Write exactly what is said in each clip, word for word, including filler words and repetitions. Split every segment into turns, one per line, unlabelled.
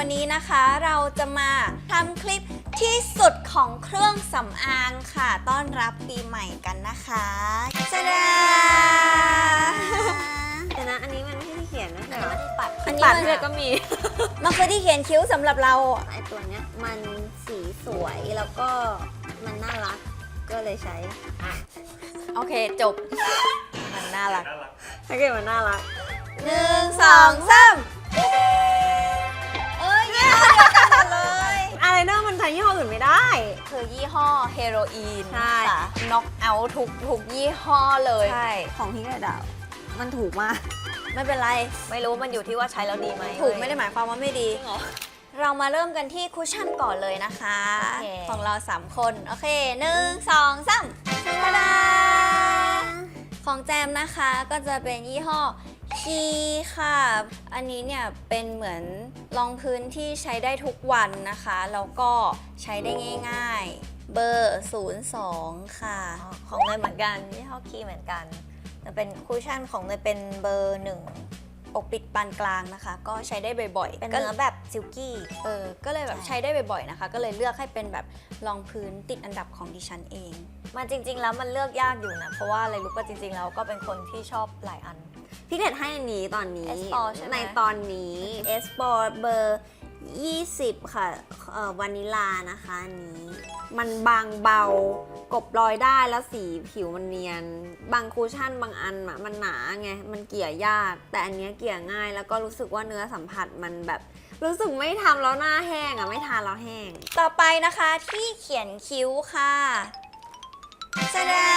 วันนี้นะคะเราจะมาทำคลิปที่สุดของเครื่องสำอางค่ะต้อนรับปีใหม่กันนะคะจ้าดา
แต่นะอันนี้มันไม่ได้เขียนนะแต่ว่าที่ปัด
อันนี้
ปัด
มัน
เลยก็มี
มันคือที่เขียนคิ้วสำหรับเรา
ไอตัวเนี้ยมันสีสวยแล้วก็มันน่ารักก็เลยใช้
โอเคจบมันน่ารัก
ถ้าเกิดมันน่ารัก
หนึ่งสองสามเอ้ยยี่ห้อเดียวกันหมดเลย
อะไรเนอะมันใช้ยี่ห้ออื่นไม่ได้
คือยี่ห้อเฮโรอีน
ใช่
ค่ะน็อกเอาทุกทุกยี่ห้อเลย
ใช่ของพี่กระดาษมันถูกมาก
ไม่เป็นไร
ไม่รู้มันอยู่ที่ว่าใช้แล้วดีไหม
ถูกไม่ได้หมายความว่าไม่ดี เรามาเริ่มกันที่คุชชั่นก่อนเลยนะคะ
โอเค
ของเราสามคน โอเคหนึ่งสองสามตาดาของแจมนะคะก็จะเป็นยี่ห้อคีค่ะ อันนี้เนี่ยเป็นเหมือนรองพื้นที่ใช้ได้ทุกวันนะคะ แล้วก็ใช้ได้ง่ายๆ เบอร์ศูนย์สองค่ะ
ของเนยเหมือนกันยี่ห้อคีเหมือนกันแต่เป็นคุชชั่นของเนยเป็นเบอร์หนึ่ง
ปกปิดปานกลางนะคะ ก็ใช้ได้บ่อยๆ
เป็น
ก็
เนื้อแบบซิลกี้
เออก็เลยแบบ
ใช่
ใช้ได้บ่อยๆนะคะ ก็เลยเลือกให้เป็นแบบรองพื้นติดอันดับของดิฉันเอง
มันจริงๆแล้วมันเลือกยากอยู่นะเพราะว่าอะไรรู้ป่ะจริงๆแล้วก็เป็นคนที่ชอบหลายอันพี่เกดให้อันนี้ตอนนี้
เอส โฟร์ ใช่ไหม
ในตอนนี้ เอส โฟร์ เบอร์ยี่สิบค่ะเอ่อวานิลานะคะอันนี้ มันบางเบากบรอยได้แล้วสีผิวมันเนียน บางคูชั่นบางอันอะมันหนาไงมันเกลี่ยยาก แต่อันเนี้ยเกลี่ยง่ายแล้วก็รู้สึกว่าเนื้อสัมผัสมันแบบ รู้สึกไม่ทำแล้วหน้าแห้งอะไม่ทาแล้วแห้ง
ต่อไปนะคะที่เขียนคิ้วค่ะจ้าดา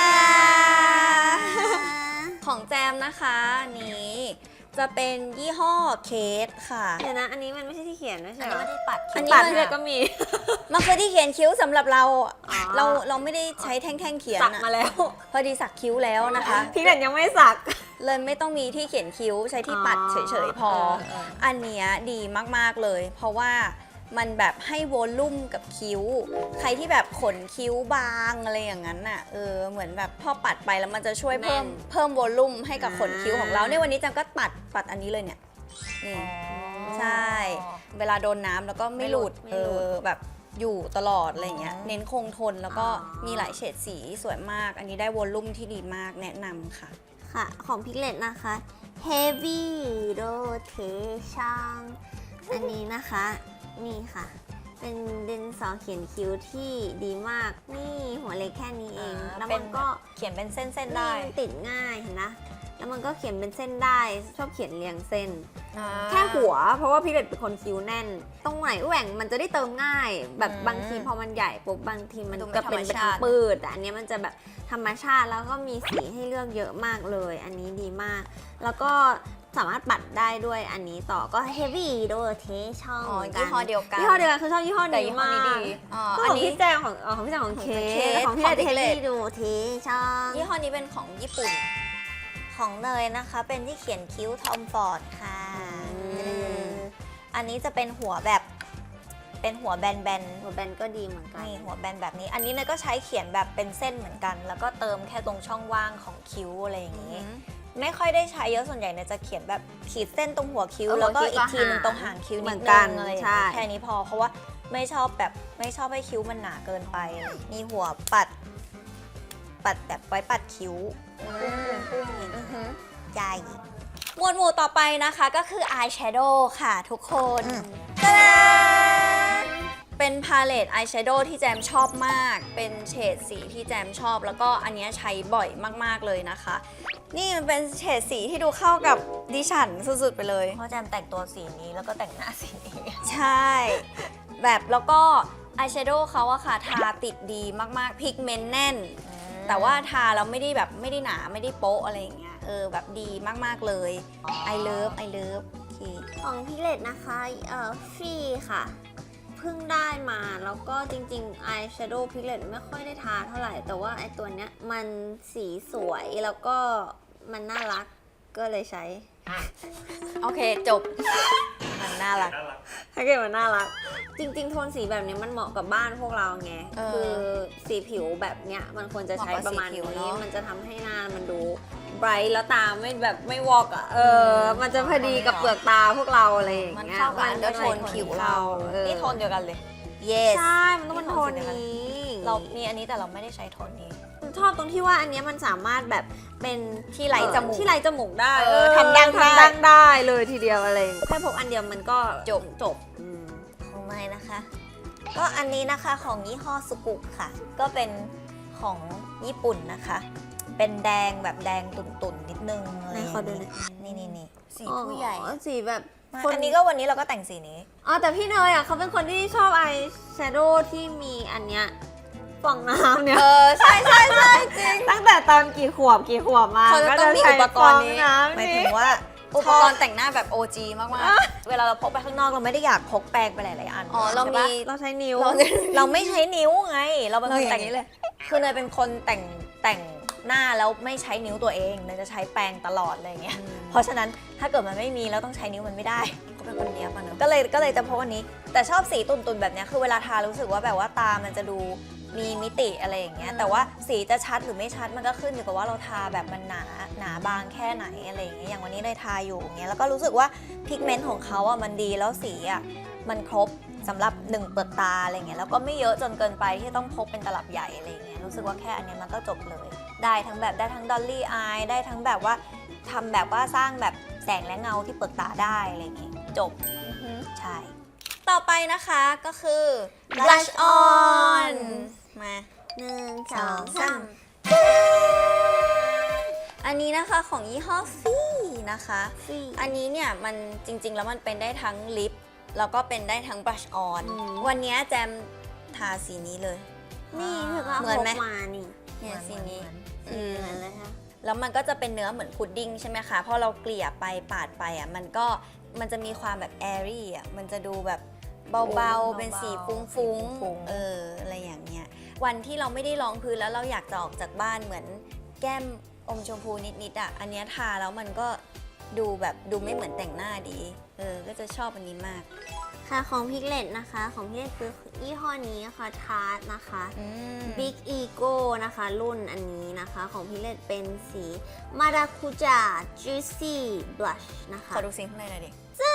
ของแจมนะคะอันนี้จะเป็นยี่ห้อเคสค่ะ
เดี๋ยวนะอันนี้มันไม่ใช่ที่เขียนนะใช่
อัน
ไหม
นี้ไม่ได้ปัด
อันนี้
ปั
ปั
ด
ดเลยก็มี
มันคือที่เขียนคิ้วสำหรับเรา
อ๋อ
เราเราไม่ได้ใช้แท่งๆเขียน
สัก
อะ
มาแล้ว
พอดีสักคิ้วแล้วนะคะ
พี่เกดยังไม่สัก
เลยไม่ต้องมีที่เขียนคิ้วใช้ที่ปัด
อ๋อ
เฉยๆพอ
เออเออ
อันเนี้ยดีมากๆเลย เพราะว่ามันแบบให้วอลลุ่มกับคิ้ว ใครที่แบบขนคิ้วบางอะไรอย่างนั้นน่ะเออเหมือนแบบพอปัดไปแล้วมันจะช่วยเพิ่มเพิ่มวอลลุ่มให้กับขนคิ้วของเราในวันนี้จังก็ปัดปัดอันนี้เลยเนี่ยนี่ใช่ เวลาโดนน้ำแล้วก็ไม่หลุด
ไม่
เอ
หลุด
อแบบอยู่ตลอดอะไรเงี้ย
อ๋อ
เน้นคงทนแล้วก็
อ๋อ
มีหลายเฉดสีสวยมาก อันนี้ได้วอลลุ่มที่ดีมากแนะนำค่ะ
ค่ะ ของพิกเลตนะคะ Heavy Rotation อันนี้นะคะ นี่ค่ะ เป็นดินสอเขียนคิ้วที่ดีมาก นี่หัวเล็กแค่นี้เอง
อ่า
แล้ว
เป็
มัน
น
ก็
เขียนเป็นเส้นๆ
นี่
ได้
มันติดง่ายเห็นนะ แล้วมันก็เขียนเป็นเส้นได้ ชอบเขียนเรียงเส้น
อ่า
แค่หัว เพราะว่าพี่เล็ดเป็นคนคิ้วแน่น ตรงไหนแหว่งมันจะได้เติมง่าย แบบ
อืม
บางทีพอมันใหญ่ปุ๊บบางทีมัน
ดูไม่
จะเป็น
ธรรม
เป็น
ชาติ
ปืดแต่อันเนี้ยมันจะแบบธรรมชาติแล้วก็มีสีให้เลือกเยอะมากเลย อันนี้ดีมาก แล้วก็สามารถปัดได้ด้วยอันนี้ต่อก็ heavy rotation
อ๋อ
เหมืนกัน
ยี่ห้อเดียวกัน
ยี่ห้อเดียวกันคือชอบยี่ห้อ
แต่
นี้
ยี่ห้อ
มา
นี้
ก
ดีอ๋อ
ก็
อั
ข
น
อง
นี้
พี่แจงของอ๋อของพี่แจงของเค
เคส
ของพี่เล็ด
ของพี่เล็ด
heavy rotation
ยี่ห้อนี้เป็นของญี่ปุ่น
ของเนยนะคะเป็นที่เขียนคิ้วทอมฟอร์ดค่ะ
อืม
อันนี้จะเป็นหัวแบบเป็นหัวแบนๆหัวแบนก็ดีเหมือนกันนี่หัวแบนแบบนี้ อันนี้เนยก็ใช้เขียนแบบเป็นเส้นเหมือนกัน แล้วก็เติมแค่ตรงช่องว่างของคิ้วอะไรอย่างนี้ ไม่ค่อยได้ใช้เยอะส่วนใหญ่เนี่ยจะเขียนแบบขีดเส้นตรงหัวคิ้ว
เออ
แล้วก็
หัวคิ้ว
อีกทีหนึง
ก็หาง
ตรงหางคิ้ว
เหมื
นิด
อน
นึ
กัน
งอะไรอย่าง
ใช่
งี้แค่นี้พอเพราะว่าไม่ชอบแบบไม่ชอบให้คิ้วมันหนาเกินไปอะไรอย่างงี้มีหัวปัด ปัดแบบไว้ปัดคิ้วปุ้งๆอย่างนี้ใหญ่
หมวดหมู่ต่อไปนะคะก็คือ eyeshadow ค่ะทุกคน
อืม
ตาดาเป็นพาเลตอายแชโดว์ที่แจมชอบมาก เป็นเฉดสีที่แจมชอบ แล้วก็อันเนี้ยใช้บ่อยมากๆเลยนะคะ นี่มันเป็นเฉดสีที่ดูเข้ากับดิฉันสุดๆไปเลย
เพราะแจมแต่งตัวสีนี้แล้วก็แต่งหน้าสีนี้
ใช่ แบบแล้วก็อายแชโดว์เขาอะค่ะทาติดดีมากๆพิกเมนต์แน่น แต่ว่าทาแล้วไม่ได้แบบไม่ได้หนาไม่ได้โป๊ะอะไรอย่างเงี้ยเออแบบดีมากๆเลย I love I love โอเค
ของพี่เลดนะคะเอ่อฟรีค่ะ เพิ่งได้มาแล้วก็จริงๆ Eye Shadow Palette ไม่ค่อยได้ทาเท่าไหร่ แต่ว่าไอตัวเนี้ยมันสีสวยแล้วก็มันน่ารักก็เลยใช้
โอเคจบ มันน่ารัก
ถ้าเกิดมันน่ารัก จริงๆ โทนสีแบบนี้มันเหมาะกับบ้านพวกเราไง
เออ
คือสีผิวแบบเนี้ยมันควรจะใช้
เหมาะกับ
ประมาณ
สีผิว
นี้
เนอะ
มันจะทำให้หน้ามันดูไบรท์แล้วตาไม่แบบไม่วอกอ่ะเออมันจะพอดีกับเปลือกตาพวกเราอะไรอย่าง
มัน
เงี้ย
เข้ากับอันเดอร์โทนผิวเรา
เออ
นี่โทนเดียวกันเลย
yes
ใช่มันต้องเป็นโทนนี้
เรามีอันนี้แต่เราไม่ได้ใช้โทนนี้
ชอบตรงที่ว่าอันเนี้ยมันสามารถแบบเป็น
ที่ไร้จมูก
ที่ไร้จมูกได้
เออทำดั้งได้
ทำดั้งได้เลยทีเดียวอะไรอย่างเงี้ยแค่พกอันเดียวมันก็จบจบอืม
ของเนยนะคะ ก็อันนี้นะคะของยี่ห้อสุกุค่ะ ก็เป็นของญี่ปุ่นนะคะ เป็นแดงแบบแดงตุ่นๆนิดนึงอะไรอย่าง
ไหนขอดูหน่
นี้
อย
นี่นี่นี่
สีผู้ใหญ่
อ๋อสีแบบ
อันนี้ก็วันนี้เราก็แต่งสีนี้
อ๋อแต่พี่เนยอ่ะเขาเป็นคนที่ชอบอายแชโดว์ที่มีอันเนี้ยฟองน้ำเนี่ย
เออ ใช่ใช่ใช่จริง
ตั้งแต่ตอนกี่ขวบกี่ขวบมา
เขาจะต้องมี
ใช้
อุปกรณ์นี้
ฟงำ
หมายถึงว่า
อุปกรณ์แต่งหน้าแบบ โอ จี มาก
เวลาเราพกไปข้างนอกเราไม่ได้อยากพกแปรงไปหลายๆอัน
ๆ อ๋อ เรา
ใช่
มี
ปะ
เราใช้นิ้ว
เรา
เราไม่ใช้นิ้วไง เราเป็น
เรา
คน
อย่าง
แต่ง
นี้เลย
คือเนยเป็นคนแต่งแต่งหน้าแล้วไม่ใช้นิ้วตัวเองเนยจะใช้แปรงตลอดอะไรอย่างเงี้ย เพราะฉะนั้นถ้าเกิดมันไม่มีแล้วต้องใช้นิ้วมันไม่ได้
เขาเป็นคนเนี้ยบอะเนอะ
ก็เลยก็เลยจะพกอันนี้ แต่ชอบสีตุ่นๆแบบเนี้ยคือเวลาทารู้สึกว่าแบบว่าตามันจะดูมีมิติอะไรอย่างเงี้ยแต่ว่าสีจะชัดหรือไม่ชัดมันก็ขึ้นอยู่กับว่าเราทาแบบมันหนาหนาบางแค่ไหนอะไรอย่างเงี้ยอย่างวันนี้เลยทาอยู่อย่างเงี้ยแล้วก็รู้สึกว่าพิกเมนต์ของเขาอ่ะมันดีแล้วสีอ่ะมันครบสำหรับหนึ่งเปลือกตาอะไรเงี้ยแล้วก็ไม่เยอะจนเกินไปที่ต้องพกเป็นตลับใหญ่อะไรเงี้ยรู้สึกว่าแค่อันเนี้ยมันก็จบเลย ได้ทั้งแบบได้ทั้งดอลลี่อายได้ทั้งแบบว่าทำแบบว่าสร้างแบบแสงและเงาที่เปลือกตาได้อะไรเงี้ยจบใช่
ต่อไปนะคะก็คือ blush on มา
หนึ่งส
ส
อ
อง ง
สา
สาม มอันนี้นะคะของยี่ห้อฟี่นะคะ
สี่
อันนี้เนี่ยมันจริงๆ แล้วมันเป็นได้ทั้งลิป แล้วก็เป็นได้ทั้ง blush on
อืม
วันนี้แจมทาสีนี้เลย
นี่เธอก็เอา
เหมือน
พ
ไหม
กมานี่
เนี่ยสีนี้
สีเหมือนเลยค่ะ
แล้วมันก็จะเป็นเนื้อเหมือนพุดดิ้งใช่ไหมคะพอเราเกลี่ยไปปาดไปอ่ะมันก็มันจะมีความแบบแอรี่อ่ะมันจะดูแบบเบาๆ เป็นสีฟุ้งๆเอออะไรอย่างเงี้ยวันที่เราไม่ได้รองพื้นแล้วเราอยากจะออกจากบ้านเหมือนแก้มอมชมพูนิดๆอ่ะอันเนี้ยทาแล้วมันก็ดูแบบดูไม่เหมือนแต่งหน้าดีเออก็จะชอบอันนี้มาก
ค่ะของพิกเลตนะคะ ของพิกเลตคือยี่ห้อนี้นะคะทาร์ตนะคะ
อืม
Big Ego นะคะ รุ่นอันนี้นะคะ ของพิกเลตเป็นสีมาราคูจา Juicy Blush นะคะ
ขอดูสีข้างในหน่อยดิ
จ้า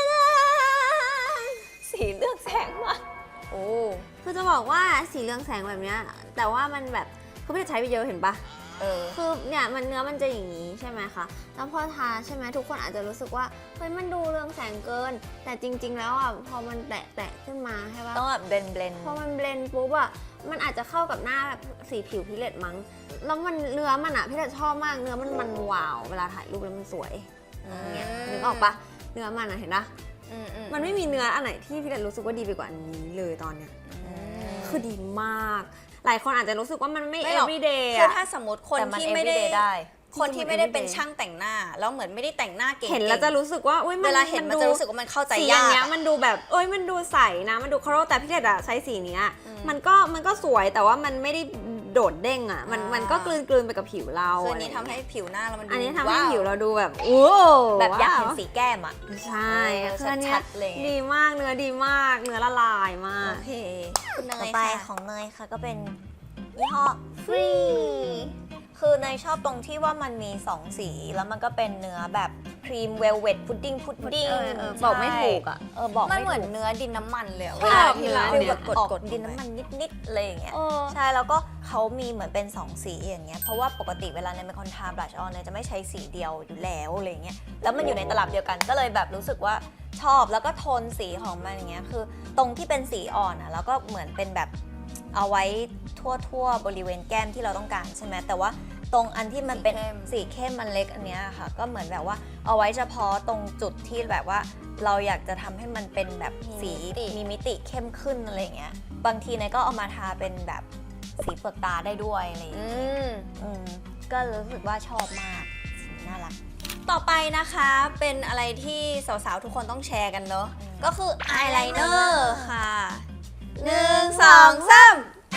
สีเลือกแสงมาก
โอ้
คือจะบอกว่าสีเรืองแสงแบบเนี้ยแต่ว่ามันแบบคือพี่จะใช้ไปเยอะเห็นปะ
เออ
คือเนี่ยมันเนื้อมันจะอย่างนี้ใช่ไหมคะแล้วพอทาใช่ไหมทุกคนอาจจะรู้สึกว่าเฮ้ยมันดูเรืองแสงเกิน แต่จริง ๆ แล้วอ่ะพอมันแตะแตะขึ้นมาใช่ปะ
ต้องแบบเบนเบน
พอมันเบลนด์ปุ๊บอ่ะมันอาจจะเข้ากับหน้าแบบสีผิวพิเลตมั้งแล้วมันเนื้อมันอ่ะพี่เลตชอบมากเนื้อมันมันวาวเวลาถ่ายรูปแล้วมันสวยอย่างเงี้ยนึกออกปะเนื้อมันอ่ะเห็นปะ
อืมอื
มันไม่มีเนื้ออันไหนที่พี่เลตรู้สึกว่าดีไปกว่าอันนี้เลยตอนเนี้ย
อืม
คือดีมาก หลายคนอาจจะรู้สึกว่ามันไม่
ไม่หรอก
everyday
คือ
อะ
ถ้าสมมติคน
แต่มัน
ที่ไม่ได้
everyday ได้
คนที่ไม่ได้เป็นช่างแต่งหน้า แล้วเหมือนไม่ได้แต่งหน้าเก่งๆ
เห็นแล้วจะรู้สึกว่าอุ้ยมัน
เวลาเห็นมัน
ดู
จะรู้สึกว่ามันเข้าใจ
สีอย
า
ย่าง
ก
เงี้ย
อะ
มันดูแบบเอ้ยมันดูใสนะมันดูเคารพแต่พี่เลดอะใช้สีเนี้ย
อืม
มันก็มันก็สวยแต่ว่ามันไม่ได้โดดเด้งอะมัน
อ่ามั
มันก็กลืนกลืนไปกับผิวเรา
คืออันนี้
ะไร
ทำให้ผิวหน้าเรามันดู
อันนี้ทำให้
ว้าว
ผิวเราดูแบบโอ้
แบบอยากเห็น
ว้ว
สีแก้มอ่ะ
ใช่
เออ
คืออันเนี้
ชั
ย
ดๆเลย
ดีมากเนื้อดีมากเนื้อละลายมาก
โอเคคุณเน
ต่อย ไป
ค่ะ
ของเนยค่ะก็เป็นยี่ห้อฟรีคือเนยชอบตรงที่ว่ามันมีสองสีแล้วมันก็เป็นเนื้อแบบครีมเวลเวทพุดดิ้งพุดดิ้ง
เออเออบอกไม่ถูกอะ
เออบอก
มัน
ไม่
เหมือน
ถูก
เนื้อดินน้ำมันเลยอะ
ใช่
เวลาที่เรา
เนื้อ
ฟีล
เนี่ย
แบบกด
ออก
กด
ดินน้ำมันนิดๆอะไรอย่างเงี้ย
เออ
ใช่แล้วก็เขามีเหมือนเป็นสองสีอย่างเงี้ยเพราะว่าปกติเวลาเนยเป็นคนทาบลัชออนเนยจะไม่ใช้สีเดียวอยู่แล้วอะไรเงี้ยแล้วมันอยู่ในตลับเดียวกันก็เลยแบบรู้สึกว่าชอบแล้วก็โทนสีของมันอย่างเงี้ยคือตรงที่เป็นสีอ่อนอ่ะแล้วก็เหมือนเป็นแบบเอาไว้ทั่วๆบริเวณแก้มที่เราต้องการใช่ไหมแต่ว่าตรงอันที่มันเป็นสีเข้มมันเล็กอันเนี้ยค่ะก็เหมือนแบบว่าเอาไว้เฉพาะตรงจุดที่แบบว่าเราอยากจะทำให้มันเป็นแบบสีมีมิติเข้มขึ้นอะไรเงี้ยบางทีเนยก็เอามาทาเป็นแบบสีเปลือกตาได้ด้วยอะไรอย่างเงี้ย
อืม
อืมก็รู้สึกว่าชอบมากน่ารัก
ต่อไปนะคะเป็นอะไรที่สาวๆ ทุกคนต้องแชร์กันเนอะ
อืม
ก็คืออายไลเนอร์ค่ะหนึ่งสองสาม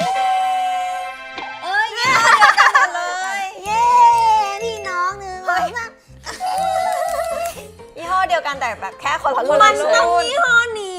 เอ้ยเย้เดียวกันหมดเลย
เย้พี่น้องหนึ่งสองสาม
ยี่ห้อเดียวกันแต่แบบแค่คนละรุ่น
มัน
เล
ต้อย งยี่ห้อนี้เว้ยมัน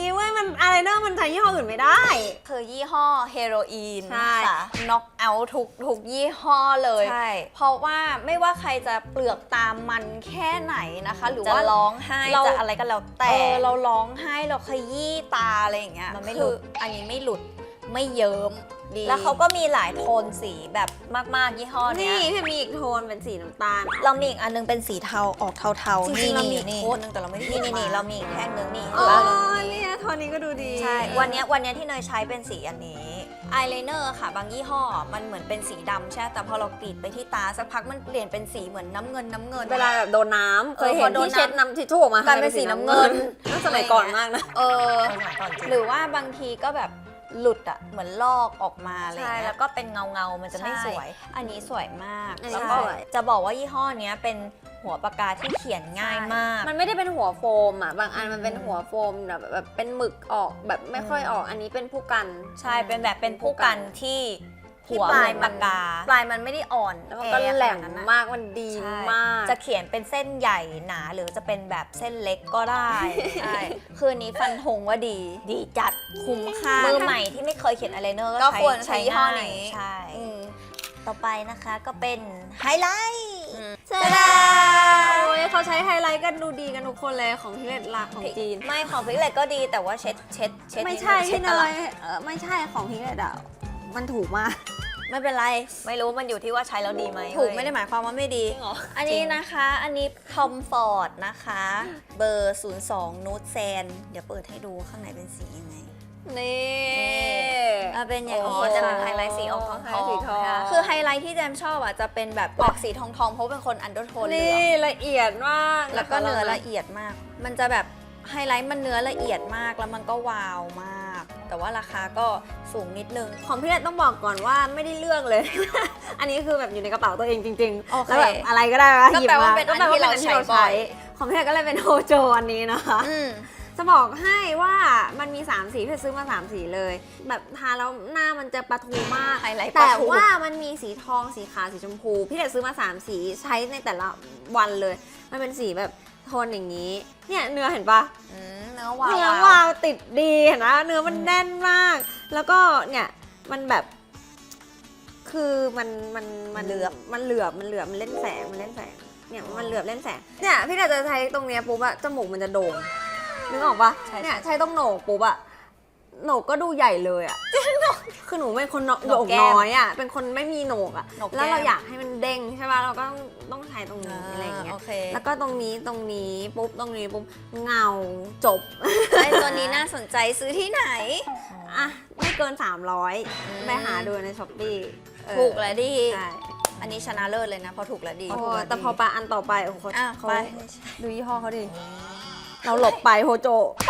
มันอะไรเนอะมันใช้ยี่ห้ออื่นไม่ได้
คือยี่ห้อเฮโรอีน
ใช่
ค่ะน็อกเอาทุกทุกยี่ห้อเลย
ใช่
เพราะว่าไม่ว่าใครจะเปลือกตามันแค่ไหนนะคะ หรือ
จะ
ว่า
ร้องไห้
เรา
จะอะไรก็แล้ว
แต่
แต่
เราร้องไห้เราขยี้ตาอะไรอย่างเงี้ย
มันไม่หลุด
คืออันนี้ไม่หลุดไม่เยิ้มดี
แล้วเขาก็มีหลายโทนสีแบบมากๆยี่ห้อเนี้
นี่
ย
พี่มีอีกโทนเป็นสีน้ำตาล
เรามีอีกอันนึงเป็นสีเทาออกเทาๆ
จริงๆเรามี
นี่
โทนนึงแต่เราไม่ได้
นี่
หยิ
นี่
บ
นี่
มา
เรามีอีกแท่งนึงนี่
อ๋อ
เห็นปะ
เนี่ยโทนนี้ก็ดูดี
ใช่วันเนี้ยวันเนี้ยที่เนยใช้เป็นสีอันนี้
อายไลเนอร์ค่ะบางยี่ห้อมันเหมือนเป็นสีดำใช่ไหมแต่พอเรากรีดไปที่ตาสักพักมันเปลี่ยนเป็นสีเหมือนน้ำเงินน้ำเงิน
เวลาแบบโดนน้ำเคย
เออ
เห็
พอน โดน
ที่เช็ด
น้ำ
น้ำทิชชู่ออกมาก
ลายเป็นสีน้ำเงิน
น่าสมัยก่อนมากนะ
เออ
สมัยก่อนจริง
หรือว่าบางทีก็แบบหลุดอะเหมือนลอกออกมาอะไร
ใช่
เงี้ย
แล้วก็เป็นเงาเงาๆมันจะไม่สวย
ใช่อันนี้สวยมาก
อันนี้
แล้ว
ส
ก็
วย
จะบอกว่ายี่ห้อเนี้ยเป็นหัวปากกาที่เขียนง่ายมาก
มันไม่ได้เป็นหัวโฟมอ่ะ บางอันมันเป็นหัวโฟมแบบแบบเป็นหมึกออกแบบไม่ค่อยออก อันนี้เป็นผู้กัน
ใช่เป็นแบบเป็นผู้กันที่
ที่
หัว
ปลาย
เห
มั
มือน นปากกา
ปลายมันไม่ได้อ่อน
แล้วมันก็
อ
แหลม
ขนาดนั้นนะ
มาก มันดี
ใช่
มาก
จะเขียนเป็นเส้นใหญ่หนาหรือจะเป็นแบบเส้นเล็กก็ได้
ใช่คืออันนี้ฟันธงว่าดี
ดีจัด
คุ้มค่า
มือใหม่ที่ไม่เคยเขียนอะไรเนอร์
ก็
ใช้
ควรใช้
ใช้
ยี่ห้อ
ง่าย
นี้
ใช่
อืม
ต่อไปนะคะก็เป็นไฮไลท์
เจ๊ดาโอ้ยเขาใช้ไฮไลท์กันดูดีกันทุกคนเลยของพิเรตลาของจีน
ไม่ของพิกเลตก็ดีแต่ว่าเช็ดเช็ดเช็ด
ไม่ใช่
ดงช็
พี่
ด
เน
ตลอด
ยเออไม่ใช่ของพิเรตอ่ะ มันถูกมาก
ไม่เป็นไร
ไม่รู้มันอยู่ที่ว่าใช้แล้วดีไหม
ถูก
เว้ย
ไม่ได้หมายความว่าไม่ดี
จริงเหรอ
อันนี้นะคะ อันนี้ Tom Ford นะคะ เบอร์ ศูนย์สอง Nude Sand เดี๋ยวเปิดให้ดูข้างในเป็นสียังไง
นี่
อ่ะเป็นอย่าง
โอ้
นี้
จะเป็นไฮไลท์สีออกทอง
ไฮไลท์สีทอง
ค่ะ
คือไฮไลท์ที่แจมชอบอ่ะจะเป็นแบบออกสีทองทองๆเพราะเป็นคนอันเดอร์โทนเหลื
นี่
อง
ละเอียดมาก
แล้วก็เนื้อละเอียดมาก มันจะแบบไฮไลท์มันเนื้อละเอียดมากแล้วมันก็วาวมาก แต่ว่าราคาก็สูงนิดนึง
ของพี่เรตต้องบอกก่อนว่าไม่ได้เลือกเลย อันนี้คือแบบอยู่ในกระเป๋าตัวเองจริง
โอ
ๆ
เค
แล้วแบบอะไรก็ได้วะ
ก็
หยิบ
แปลว่า
มา
เป็น
ก็แปลว่า
อั
เป็น น
ที่
อันที่
เรา
เรา
ใช้บ่
ใช้
อย
ของพี่เรตก็เลยเป็นโฮโจอันนี้นะคะ
อืม
จะบอกให้ว่ามันมีสามสีพี่ซื้อมาสามสีเลย แบบทาแล้วหน้ามันจะประทูมาก
ไฮไลท์ป
แต่
ระทู
ว่ามันมีสีทองสีขาวสีชมพู พี่เด็ดซื้อมาสามสีใช้ในแต่ละวันเลย มันเป็นสีแบบโทนอย่างนี้ เนี่ยเนื้อเห็นปะ
อืมเนื้อวาว
เนื้อวาวติดดีเห็นนะเนื้อมันแน่นมาก แล้วก็เนี่ยมันแบบ คือมันมันมัน
เหลือบ
มันเหลือบมันเหลือบมันเล่นแสงมันเล่นแสงเนี่ยมันเหลือบเล่นแสงเนี่ยพี่เด็ดจะใช้ตรงเนี้ยปุ๊บอะจมูกมันจะโด่งนึกออกปะ
ใช่
เนี่ย
ใช่
ใช้ตรงโหนกปุ๊บอะโหนกก็ดูใหญ่เลยอะคือหนูเป็นคนโหนก
โหนกแก้ม
น้อยอะเป็นคนไม่มีโหนกอะ
โหนกแก้ม
แล้วเราอยากให้มันเด้งใช่ปะเราก็ต้องต้องใช้ตรงนี้อะไรอย่างเงี้ย
โอเค
แล้วก็ตรงนี้ตรงนี้ปุ๊บตรงนี้ปุ๊บเงาจบ
ไอตัวนี้น่าสนใจซื้อที่ไหน
อ่ะไม่เกิน สามร้อย
อืม
ไปหาดูในช้อปปี้
ถูกและดี
ใช่
อันนี้ชนะเลิศเลยนะเพราะถูกและดี
โอ้แต่พอปาอันต่อไปโอ้โหเขา
อ่ะ
เขา
ไป
ดูยี่ห้อเขาดิ เราหลบไปโฮโจ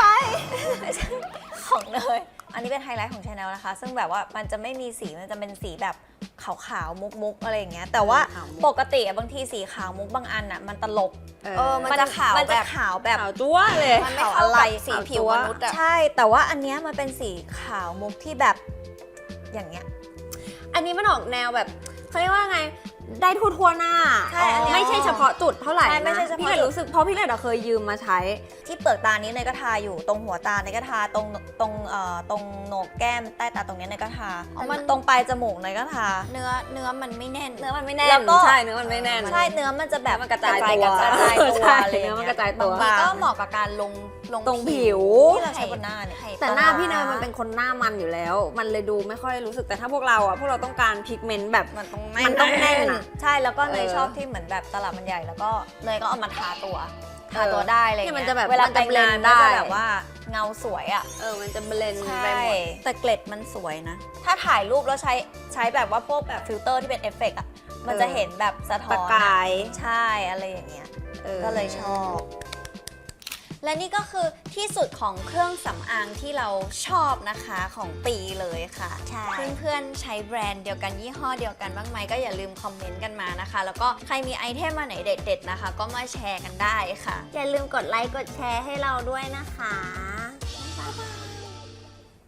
ของเนยอันนี้เป็นไฮไลท์ของชาแนลนะคะ ซึ่งแบบว่ามันจะไม่มีสีมันจะเป็นสีแบบขาวๆมุกๆอะไรอย่างเงี้ยแต่ว่า
ขาวมุก
ปกติอะบางทีสีขาวมุกบางอันอะมันตลก
เออมันจะขาว
มันจะ
แบบ
ขาวแบบ
ขาวจั๊วเลย
มันไม่
ขาว
เข้า
อะไร
กับสีผิวมนุษย์อะ
ใช่ แต่ว่าอันเนี้ยมันเป็นสีขาวมุกที่แบบอย่างเงี้ย
อันนี้มันออกแนวแบบเขาเรียกว่าไงได้ทั่วทั่วๆหน้า
ใช่อันเนี้ย
ไม่ใช่เฉพาะจุดเท่าไหร่
ใช่ไม่
นะ
ใช่เฉพาะ
พี่เลย
จุด
รู้สึกเพราะพี่เลยเคยยืมมาใช้
ที่เปลือกตานี้เนยก็ทาอยู่ตรงหัวตาเนยก็ทาตรงตรงเอ่อตรงโหนกแก้มใต้ตาตรงเนี้ยเนยก็ทา
อ๋อมัน
ตรงปลายจมูกเนยก็ทา
เนื้อเนื้อมันไม่แน่น
เนื้อมันไม่แน่น
แล้วก็
ก็
ใช่เนื้อมันไม่แน่น
ใช่เนื้อมันจะแบบ
มันกระจาย
ก
ตัว
กระจายตัว
ใช่
อะไรอย่าง
เนื้อมัน
เงี้
กระจายตัว
บางทีก็เหมาะกับการลงลง
ตรงผิว
ที่เราใช้บนหน้าเนี่ย
แต่หน้าพี่เนยมันเป็นคนหน้ามันอยู่แล้ว มันเลยดูไม่ค่อยรู้สึกแต่ถ้าพวกเราอ่ะพวกเราต้องการพิกเมนต์แบบ
มันต้อง
มันต้องแน่นอะ
ใช่แล้วก็เนย
เออ
ชอบที่เหมือนแบบตลับมันใหญ่แล้วก็เนยก็เอามาทาตัวทาตัวได้อะไรอย่าง
เนี่ยมั
เงี้
นจะแบบ
เวลา
มัน
ไป
จะ
งาน
blend
ก็จะ
ได้
แบบว่าเงาสวยอ่ะ
เออมันจะเบลนด์
ใช่
ไปหมด
แต่เกล็ดมันสวยนะ
ถ้าถ่ายรูปแล้วใช้ใช้แบบว่าพวกแบบฟิลเตอร์ที่เป็นเอฟเฟกต์อ่ะมันจะเห็นแบบสะท้อน
ประ
อะ
กาย
ใช่อะไรอย่างเงี้ย
ออ
ก็เลยชอบ
และนี่ก็คือที่สุดของเครื่องสำอางที่เราชอบนะคะของปีเลยค่ะ
ใช่
เพื่อนๆใช้แบรนด์เดียวกันยี่ห้อเดียวกันบ้างไหมก็อย่าลืมคอมเมนต์กันมานะคะ แล้วก็ใครมีไอเทมมาไหนเด็ดๆนะคะ ก็มาแชร์กันได้ค่ะ
อย่าลืมกดไลค์กดแชร์ให้เราด้วยนะคะ